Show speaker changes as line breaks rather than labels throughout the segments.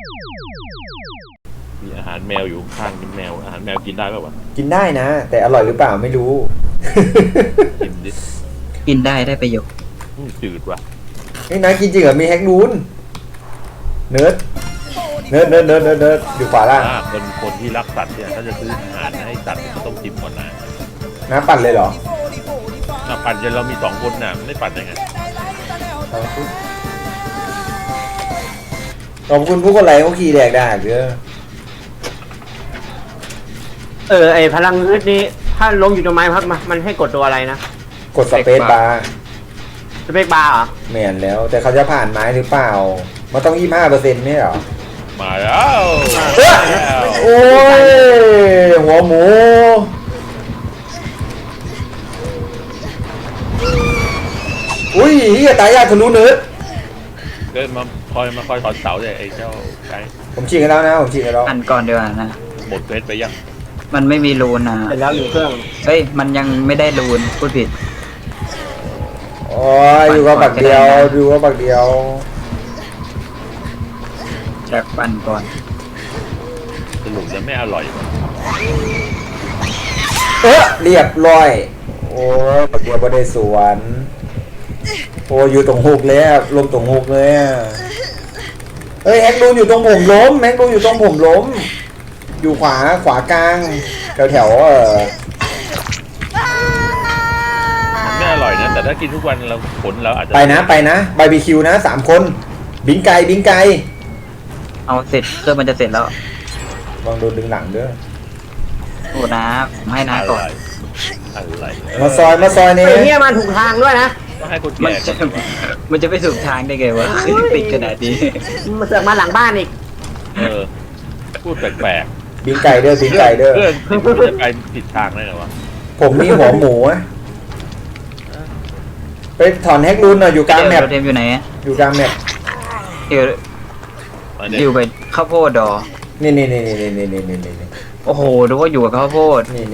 มีอาหารแมวอยู่ข้างกินแมวอาหารแมวกินได้ป่าววะ
กินได้นะแต่อร่อยหรือเปล่าไม่รู้
กินดิ
กินได้ประโยชน์
จืดว่ะ
นี่นะกินจริงเหรอมีแฮกนูนเนิร์ดอยู่ขวาล่าง
คนที่รักสัตว์เนี่ยถ้าจะซื้ออาหารให้สัตว์ก็ต้องจิ้มก่อนนะ
น้ำปั่นเลยเหรอ
ปั่นจนเรามี2 คนน่ะไม่ปั่นได้ไง
ขอบคุณผู้คนไลค์เขาขี่แดกได้เด้อ
ไอพลังงึดนี้ถ้าลงอยู่ตรงไม้พักมันให้กดตัวอะไรนะ
กดสเปซบาร์
สเปกบาร์เหรอ
แม่นแล้วแต่เขาจะผ่านไม้หรือเปล่ามันต้อง25%ไม่เหรอ
มาแล้ว
โอ้ยหัวหมูอุ้ยเฮียตายยากทะลุเนิร์ด
เดินมาคอยถอนเสาเลยไอ้เจ้าไก่
ผมฉีกกันแล้วนะผมฉีกกันแล้ว
อันก่อนดีกว่านะ
หมดเพชรไปยัง
มันไม่มีรูนนะ
เสร็จแล้วอยู่เครื่อง
เฮ้ยมันยังไม่ได้รูนพูดผิด
โอ้ยอยู่กับบักเดียวดูกับบักเดียว
จากปั่นก่อน
สรุปจะไม่อร่อยว่ะ
เรียบร้อยโอ้ยบักเดียวบ่ได้สวนโอ้ยอยู่ตรงหุกเลยอะลมตรงหุกเลยอะเฮ้ยแฮกดูอยู่ตรงผมล้มแฮกดูอยู่ตรงผมล้มอยู่ขวากลางแถว
มันไม่อร่อยนะแต่ถ้ากินทุกวันเราผลเราอาจจะ
ไปนะบาร์บีคิวนะ3 คนบิงไก่
เอาเสร็จเครื่องมันจะเสร็จแล้ว
ลองโดนดึงหลังด้วย
โอ้นะผมให้นะก่อน
อะไร
มาซอยนี่
ไอเนี่ยมันถูกทางด้วยนะ
ต้องให้คน
มัน
แก่
จะ
ก่อน
มันจะไปถูกทางได้ไงวะปิดขนาดนี้
มันเสือกมาหลังบ้านอีก
พูดแปลก
บิงไก่เด้อ
ๆ
บิงไก่เด้อ
เพื่อนจะไปผิดทางได้ไงวะ
ผมมีหัวหมูอะไปถอนแฮกรูนหน่อยอยู่กลางแมป
เดี๋ยวเทมอยู่ไหนอะ
อยู่กลางแมป
เดี๋ยว
มา
อ
เด็
ยู่ไปข้าวโพดดอ
นี่
โอ้โหดูว่าอยู่กับข้าวโพด
นี่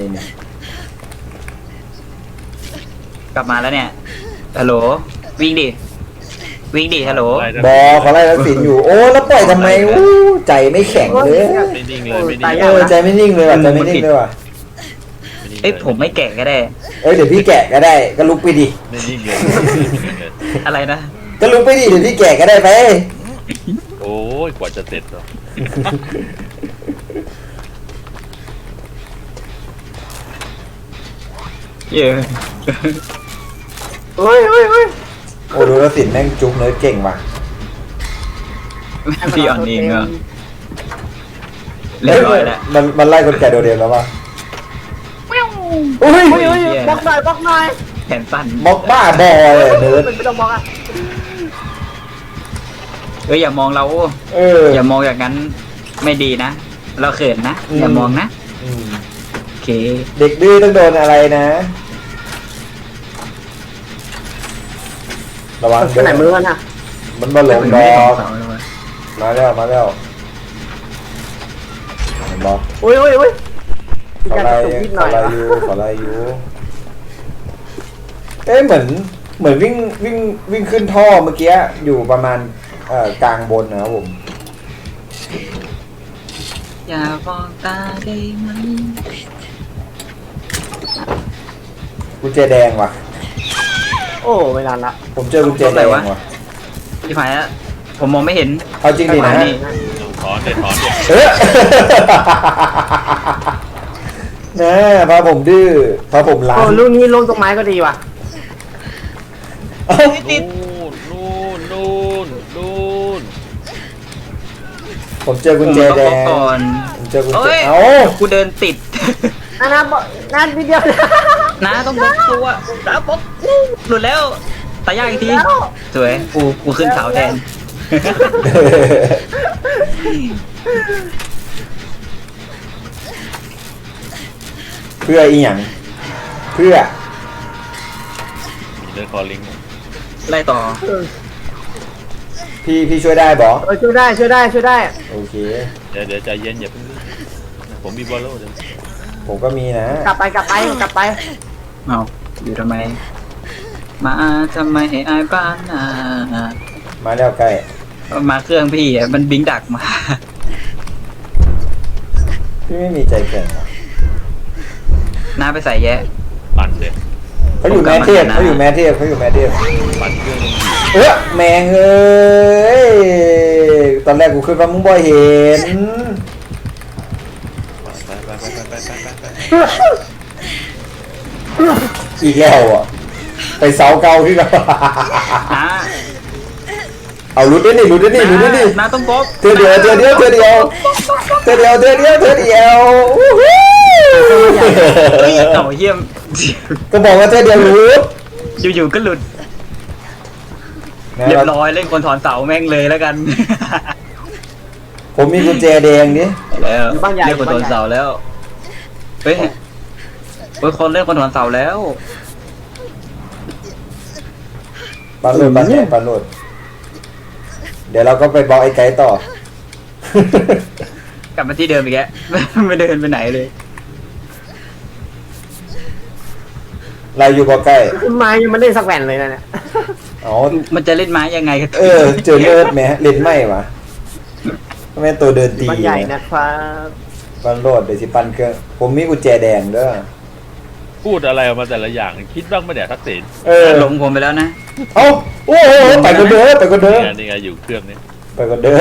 กลับมาแล้วเนี่ยฮัลโหลวิ่งดิฮัลโหล
บอเขาไล่ทักษิณอยู่โอ้แล้วปล่อยทำไมอู้ใจไม่แข็งเลย
ไม่นิ่งเลยไม่นิ่ง
ใจไม่นิ่งเลยว่ะใจไม่นิ่งเลยว่ะ
เอ้ยผมไม่แก่ก็ได้
เดี๋ยวพี่แกะก็ได้ก็ลุกไปดิ
ไม่นิ่งเลย
อะไรนะ
ก็ลุกไปดิเดี๋ยวพี่แกะก็ได้ไป
โอ้ยกว่าจะเสร็จเนาะ
เยอะ
เฮ้ย
โอ้ดูทักษิณแม่งจุ๊บเนื้อเก่งว่ะ
พี่อ่อนเองเหรอเรียบร้อยแล้ว
มันไล่คนแก่โดดเด่นแล้วว่ะอุ้ย
เฮ้ยบล็อกหน่อย
แขนสั้น
บล็อกบ้าบอเลยเนิร์ด
ไม่ต้องบล็อกอ่ะ
เอ้ยอย่ามองเรา อย่ามองอย่างนั้นไม่ดีนะ เราเขินนะ อย่ามองนะ
อืม
โอเค
เด็กดื้อต้องโดนอะไรนะ ระวัง
ไปไหนมือมันอ่ะ
มันบอลลงดอกมาแล้วเห็นบอก
อุ้ย
ขอ
การ
ไล่
ตุกนิดหน่อย
ขอไล่อยู่เอ๊ะเหมือนวิ่งขึ้นท่อเมื่อกี้อยู่ประมาณกลางบนนะครับผม
อย่ามองตาได้ไหม
กุญแจแดงว่ะ
โอ้ไม่นานละ
ผมเจอกุญแจแดงว่ะ
พี่ผายอะผมมองไม่เห็น
เอาจริงดินะ
นี่
ถอนเด็ดถอนเด็ด
นะพอผมดื้อพอผมล้า
โอ้
น
ลูกนี้ลงตรงไม้ก็ดีว่ะ
นู่น
ผมเจอกุญแจแดง
ก่อน
ผมเจอกุญแจ
เอ้ย
เอ้า
กูเดินติด
นั่นวิดีโอ
นะต้องบล็อกตัวนะบล็อกหลุดแล้วตายยากอีกทีสวยกูขึ้นเสาแทน
เพื่ออีหยังเพื่อ
มีเรื่องคอลิง
ไล่ต่อ
พี่ช่วยได้บอ
ช่วยได้
โอเค
เดี๋ยวใจเย็นอย่าเพิ่งผมมีบอลโล่เดี๋ยว
ผมก็มีนะ
กลับไป
เอาอยู่ทำไม มาทำไมให้อายบ้านนา
มาแล้วใกล้
มาเครื่องพี่อะมันบิงดักมา
พี่ไม่มีใจแข็งหรอ
น้าไปใส่แยะ
ปั่นเลย
เขาอยู่แม่เทพเขาอยู่แม่เทพเขาอยู่แม่เทพ
ปั่นเครื่อง
แมงเอ้ยตอนแรกกูคิดว่ามึงบ่เห็น
ไป
อีกแล้วอ่ะไปเสาเก่าที่เรา
น้า
เอาลุ้นด้วยนี่ลุ้นด้วยนี่ลุ้นด้วยนี่
น้าต้องบล็อก
เธอเดียววู้ฮู้
เฮ้ยเอาเยี่ยม
ก็บอกว่าเธอเดียวรู้
อยู่ๆก็หลุดเรียบร้อยเล่นคนถอนเสาแม่งเลยแล้วกัน
ผมมีกุญแจแดงดิ
แล้วเล่นคนถอนเสาแล้วเฮ้ยคนเล่นคนถอนเสาแล้ว
ปาโหลดเดี๋ยวเราก็ไปบอกไอ้ไก่ต่อ
กลับมาที่เดิมอีกแล้ว ไม่เดินไปไหนเลย
เราอยู่บ่ใกล้
คุณไม้ยังไม่ได้สักแผ่นเลยนะเนี่ย
อ๋อ
มันจะเล่นไม้ยังไงกัน
เจอเลิศไหมเล่นไม่วะทำไมตัวเดินตี
บ้านใหญ่นะครับ
ปันโหลดเดี๋ยวสิปันเครื่องผมมีกุญแจแดงเด้อ
พูดอะไรออกมาแต่ละอย่างคิดบ้างไหมเนี่ยทักษิณ
หลงผมไปแล้วนะ
เอ้าโอ้โหไปกันเด้อ
นี่ไงอยู่เครื่องนี้
ไปกันเด้อ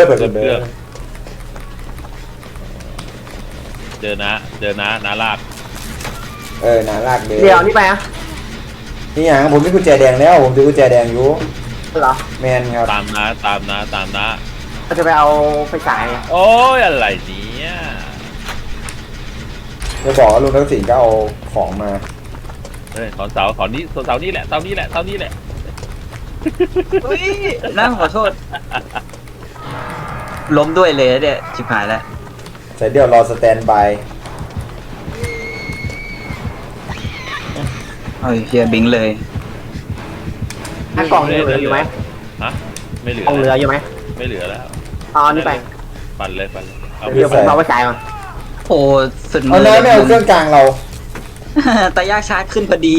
เจอน้าลาก
น่ารักเด้
เดี๋ยวนี่ไปอ่ะ
นี่อย่างผมมีกุญแจแดงแล้วผมถือกุญแจแดงอยู่
เหรอ
แมนครับ
ตามน้า
เราจะไปเอาไฟฉาย
โอ้ยอะไรเนี่ย
จะบอกว่าลุงทักษิณก็เอาของมา
เฮ้ยถอนเสานี่แหละเสานี่แหละ
อุ้ยน้าขอโทษ ล้มด้วยเลยเนี่ยชิบหายแล้ว
ใส่เดี๋ยวรอสแตนบาย
เฮ้ยเฮียบิงเลย
กล่องเหลืออยู่ไหม
ฮะไม่เหลือก
ล่องเหลืออยู่ไหม
ไม่เหลือแล้ว
เอานี่ไป
ปั่นเลยเอา
เดี๋ยวผมเอาไฟฉายมา
โอ้สุดมื
เอาน้อยไม่เอาเครื่องกลางเรา
ตายากชาร์จขึ้นพอดี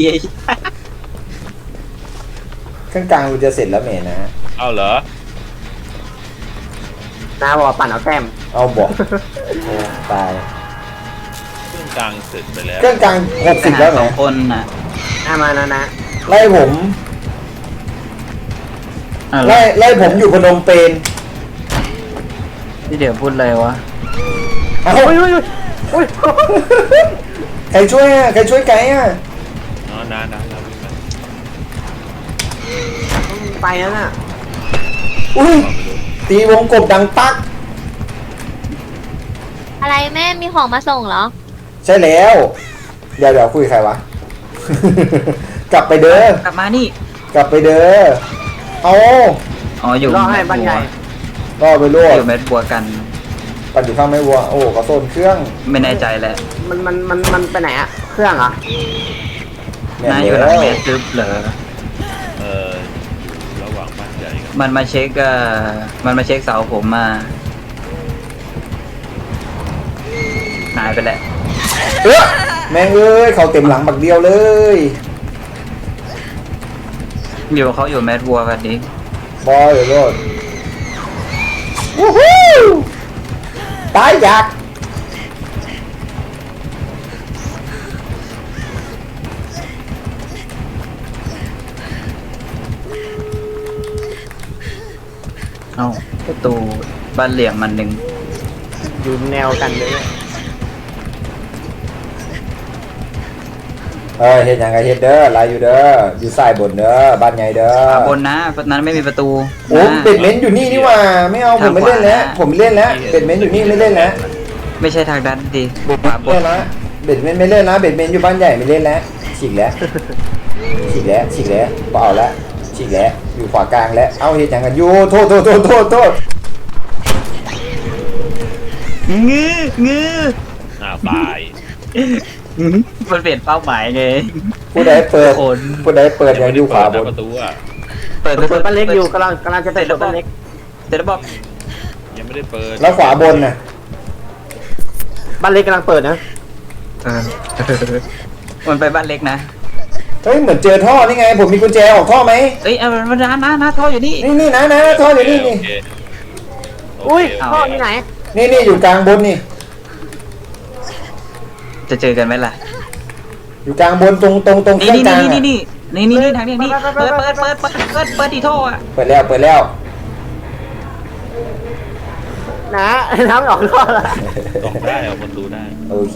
เครื่องกลางกูจะเสร็จแล้วเมนะ
เอาเหรอ
น้าบอกว่าปั่นเอาแต้ม
เอาบอกโอ้ตาย
เครื่องกลางเสร็จไปแล้ว
เครื่องกลาง60แล้ว
ส
ไง
องคนน่ะ
มานะ
ไล่ผม ไล่ผมอยู่พนมเปญ
ที่เดี๋ยวพูดเลยวะ
เอ้า
อุ้ย
ใครช่วยไกด์อ่ะ
อ๋อน้าวิ่งมา
ไปแล้วน่ะ
อุ้ยตีวงกบดังปัก
อะไรแม่มีของมาส่งเหรอ
ใช่แล้ว เดี๋ยวคุยกับใครวะ กลับไปเด้อก
ลับมานี่
กลับไปเด้อเอา
อ๋ออยู่
รอให้บ้านใหญ่
รอไปลวก
อยู่เม็ดบัวกัน
ปั่นอยู่ข้างไม่วัวโอ้ก็โซนเครื่อง
ไม่แน่ใจแหละ
มันไปไหนอ่ะ เครื่องเหรอ
แม่
น่าอยู่หลังเมสซึบเหรอ
ระหว่างบ้านใหญ่กับ
มันมาเช็คเสาผมมาหายไปแหละ
แม่งเอ้ยเขาเต็มหลังบักเดียวเลย
อยู่เขาอยู่แมดวัวกันนี้
บอยเดี๋ยวโลดวู้ฮู้ตายอยาก
เอ้าประตูบ้านเหลี่ยมมันหนึ่ง
อยู่แนวกันเลย
เฮ็ดหยังไงเฮ็ดเด้อลายอยู่เด้ออยู่สายบนเด้อบ้านใหญ่เด้อ
บนนะนั้นไม่มีประตู
โอ้
นะ
เป็ดเม้นอยู่นี่นี่หว่าไม่เอาผมไม่เล่นแล้วผมไม่เล่นแล้วเป็ดเม้นอยู่นี่ไม่เล่นแล้ว
ไม่ใช่ทางด้านดีขวาบ
เล่
น
นแล้วเป็ดเม้นไม่เล่นแล้วเป็ดเม้นอยู่บ้านใหญ่ไม่เล่นแล้วฉีกแล้วบ่เอาละฉีกแล้วอยู่ขวากลางแล้วเอาเฮ็ดหยังกันอยู่โทษ
งื้อ
หน้าตาย
มันเปลี่ยนเป้าหมายไง
ผู้ใดเปิด
คน
ผู้ใดเปิดยังอยู่ขวาบน
ประตูอ่ะ
เปิด
เปิดบ้านเล็กอยู่กำลังจะเปิดบ้านเล็ก
เดี๋ยวบอก
ยังไม่ได้เปิด
แล้วขวาบนน่ะ
บ้านเล็กกำลังเปิดนะ
มันไปบ้านเล็กนะ
เฮ้ยเหมือนเจอท่อนี่ไงผมมีกุญแจออกท่อไหม
เอ้ยเอามันน้าท่ออยู่นี่
นี่นะท่ออยู่นี่
โอเค
อุ้ย
โเค
ท่อที่ไหน
นี่อยู่กลางบนนี่
จะเจอกันไหมล่ะ
อยู่กลางบนตรงเค
นี่
รื่อง
นี่
กลาง
นี่
อะ
นี่ทางนี้นี่เปิดดีโทอ่ะ
เปิดแล้ว
นะน้ำออกท่อละ
ออกได้เอาประตูได้
โอเค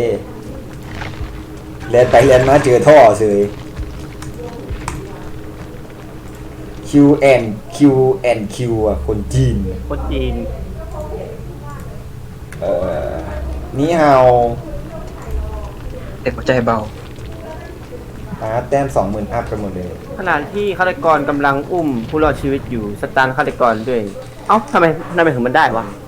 เรียนไปเรียนมาเจอท่อเฉย Q&Q อ่ะคนจีน
คนจีน
นี่เฮา
เด็กหัวใจเบา
แต้ม 20,000 อัพกันหมดเลย
ขณะที่ฆาตกรกำลังอุ้มผู้รอดชีวิตอยู่สตาร์ฆาตกรด้วย เอ้าทำไมถึงมันได้วะ